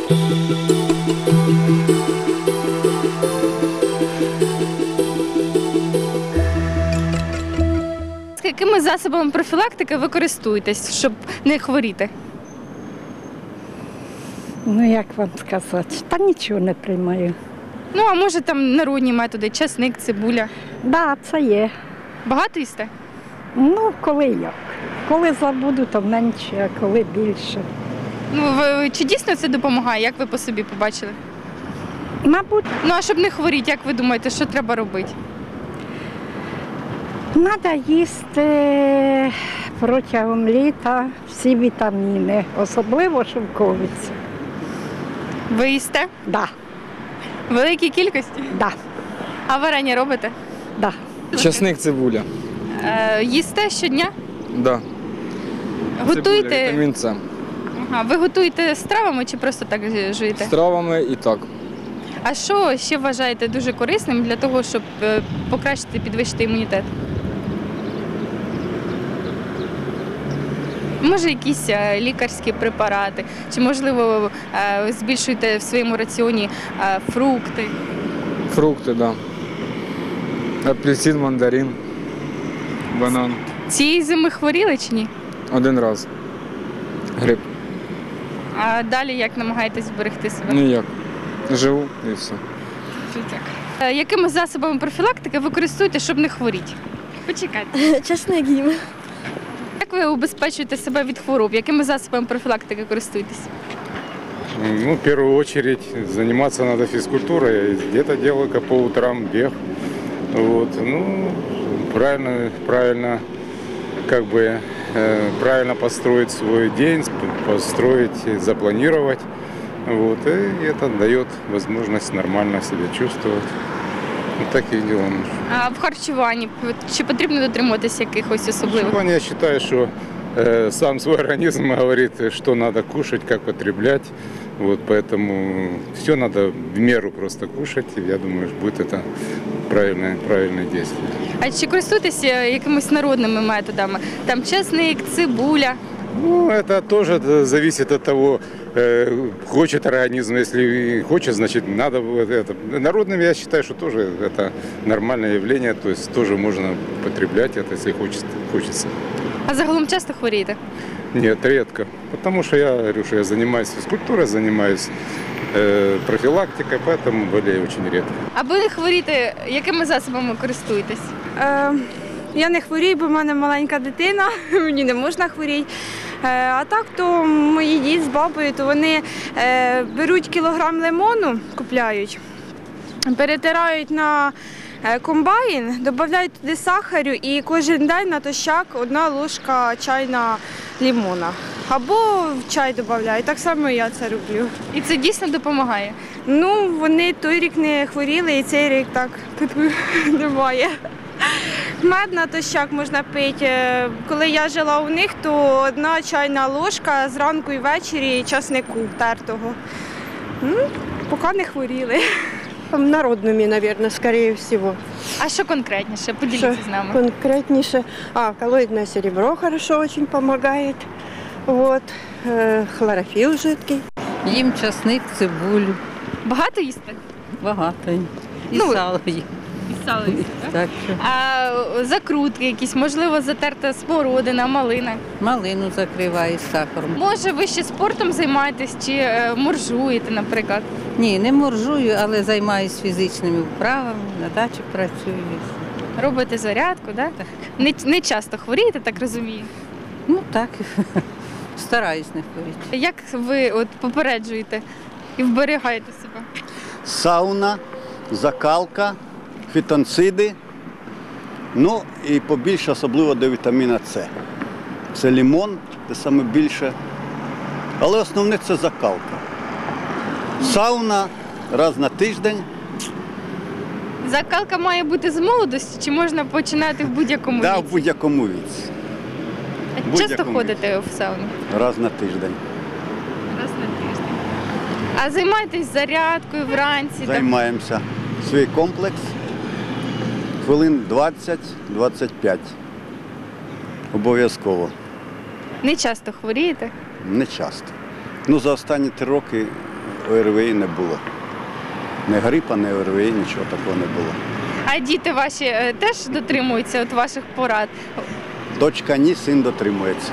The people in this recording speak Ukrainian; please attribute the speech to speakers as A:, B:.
A: Якими засобами профілактики ви користуєтесь, щоб не хворіти?
B: Ну, як вам сказати, та нічого не приймаю.
A: Ну, а може там народні методи, часник, цибуля.
B: Так, це є.
A: Багато їсте?
B: Ну, коли як. Коли забуду, то менше, а коли більше.
A: Ну, чи дійсно це допомагає, як ви по собі побачили?
B: Мабуть,
A: Ну, а щоб не хворіти, як ви думаєте, що треба робити?
B: треба їсти протягом літа всі вітаміни, особливо шовковицю.
A: Ви їсте?
B: Да,
A: В великій кількості?
B: да,
A: А варення робите?
B: да.
C: Часник, цибуля.
A: Їсте щодня?
C: Да.
A: Готуєте?
C: Цибуля, вітамін С.
A: Ага, ви готуєте з травами чи просто так жуєте?
C: З травами і так.
A: А що ще вважаєте дуже корисним для того, щоб покращити, підвищити імунітет? Може, якісь лікарські препарати, чи, можливо, збільшуєте в своєму раціоні фрукти?
C: Фрукти, да. Апельсин, мандарин, банан.
A: Цієї зими хворіли чи ні?
C: Один раз. Грип.
A: А далі як намагаєтесь зберегти себе?
C: Ніяк. Живу і все.
A: Якими засобами профілактики ви користуєтесь, щоб не хворіти? Почекайте.
D: Часник їм.
A: Як ви убезпечуєте себе від хвороб? Якими засобами профілактики користуєтесь?
E: Ну, в первую очередь заниматься надо физкультурой. Где-то делаю по утрам бег. Вот. Ну, правильно, как бы, правильно построить свой день, построить, запланировать. Вот. И это дает возможность нормально себя чувствовать. Вот так и делаем.
A: А в харчуванні чи потрібно дотримуватися якихось особливих?
E: Я считаю, что сам свой организм говорит, что надо кушать, как потреблять. Вот, поэтому все надо в меру просто кушать. И я думаю, что будет это правильное действие.
A: А чи користуєтеся якимись народними методами? Там часник, цибуля?
E: Ну, это тоже зависит от того, хочет организм. Если хочет, значит, надо это. Народным я считаю, что тоже это нормальное явление. То есть тоже можно потреблять это, если хочется.
A: А загалом часто хворієте?
E: Нет, редко. Потому что я говорю, что я занимаюсь физкультурой, занимаюсь профилактикой, поэтому болею очень редко.
A: Аби не хворіти, якими засобами користуєтесь?
D: Я не хворію, бо в мене маленька дитина, мені не можна хворіти. А так, то мої дід з бабою, то вони беруть кілограм лимону, купляють, перетирають на комбайн, додають туди сахару і кожен день натощак 1 ложка чайна лимона. Або в чай додають, так само я це роблю.
A: І це дійсно допомагає?
D: Ну, вони той рік не хворіли і цей рік так немає. Мед натощак можна пити. Коли я жила у них, то 1 чайна ложка зранку і ввечері часнику тертого. Поки не хворіли.
F: Народными, наверное, скорее всего.
A: А що конкретніше? Поділіться з нами.
F: Конкретнейше. Коллоидное серебро хорошо очень помогает. Вот. Хлорофилл жидкий.
G: Їм часник, цибулю.
A: Багато їсти?
G: Багато. І
A: Ну,
G: сало їм.
A: І сало їсти, так?
G: Так що
A: А закрутки якісь, можливо, затерта смородина, малина?
G: малину закриваю з сахаром.
A: Може, ви ще спортом займаєтесь чи моржуєте, наприклад?
G: Ні, не моржую, але займаюся фізичними вправами, на дачі працюю.
A: Робите зарядку, да?
G: Так.
A: Не часто хворієте, так розумію?
G: Ну так, стараюсь не хворіти.
A: Як ви от попереджуєте і вберігаєте себе?
H: Сауна, закалка, фітонциди, ну і побільше особливо до вітаміна С. Це лимон, це саме більше. Але основне це закалка. Сауна раз на тиждень.
A: Закалка має бути з молодості чи можна починати в будь-якому
H: Да,
A: віці?
H: в будь-якому віці.
A: А часто ходите в сауну?
H: Раз на тиждень.
A: Раз на тиждень. А займаєтесь зарядкою вранці? там?
H: Займаємося. Свій комплекс. Хвилин 20-25. Обов'язково.
A: Не часто хворієте?
H: Не часто. Ну, за останні 3 роки ОРВІ не було. Не грипа, не ОРВІ, нічого такого не було.
A: А діти ваші теж дотримуються от ваших порад?
H: Дочка ні, син дотримується.